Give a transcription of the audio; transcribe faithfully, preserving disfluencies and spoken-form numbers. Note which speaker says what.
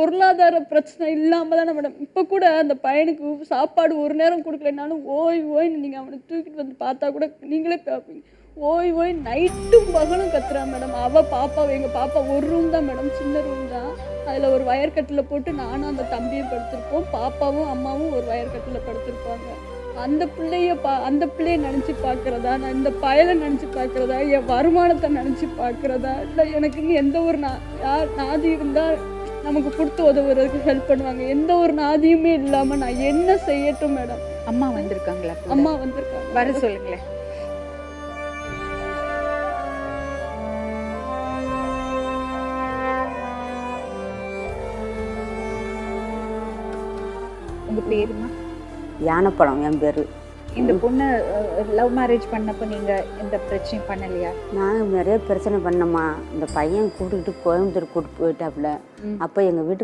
Speaker 1: பொருளாதார பிரச்சனை இல்லாம தானே மேடம். இப்ப கூட அந்த பையனுக்கு சாப்பாடு ஒரு நேரம் குடுக்கலைனாலும் ஓய் ஓய்ன்னு நீங்க அவன தூக்கிட்டு வந்து பார்த்தா கூட நீங்களே பார்ப்பீங்க. ஓய் ஓய் நைட்டும் பகலும் கத்துறான் மேடம். அவ பாப்பா எங்க பாப்பா ஒரு ரூம் தான் மேடம். சின்ன ரூம் தான். அதுல ஒரு வயர் கட்டில போட்டு நானும் அந்த தம்பியும் படுத்திருப்போம். பாப்பாவும் அம்மாவும் ஒரு வயர் கட்டில படுத்திருப்பாங்க. அந்த பிள்ளைய பா அந்த பிள்ளைய நினைச்சு பார்க்கிறதா, நான் இந்த பயலை நினைச்சு பார்க்கிறதா, என் வருமானத்தை நினைச்சு பார்க்கிறதா, இல்லை எனக்குன்னு எந்த ஒரு நா யார் நாதி இருந்தா நமக்கு கொடுத்து உதவுறதுக்கு ஹெல்ப் பண்ணுவாங்க. எந்த ஒரு நாதியுமே இல்லாம நான் என்ன செய்யட்டும் மேடம்?
Speaker 2: அம்மா வந்திருக்காங்களா?
Speaker 1: அம்மா வந்திருக்காங்க.
Speaker 2: வர சொல்லுங்களேன். உங்க பேருமா?
Speaker 3: யானைப்பழம் என் பேர்.
Speaker 2: இந்த பொண்ணு லவ் மேரேஜ் பண்ணப்போ நீங்க எந்த பிரச்சனையும் பண்ணலையா?
Speaker 3: நான் நிறைய பிரச்சனை பண்ணம்மா. இந்த பையன் கூட்டிகிட்டு கோயம்புத்தூர் கூட்டிட்டு போயிட்டாப்புல. அப்போ எங்கள் வீட்டுக்கு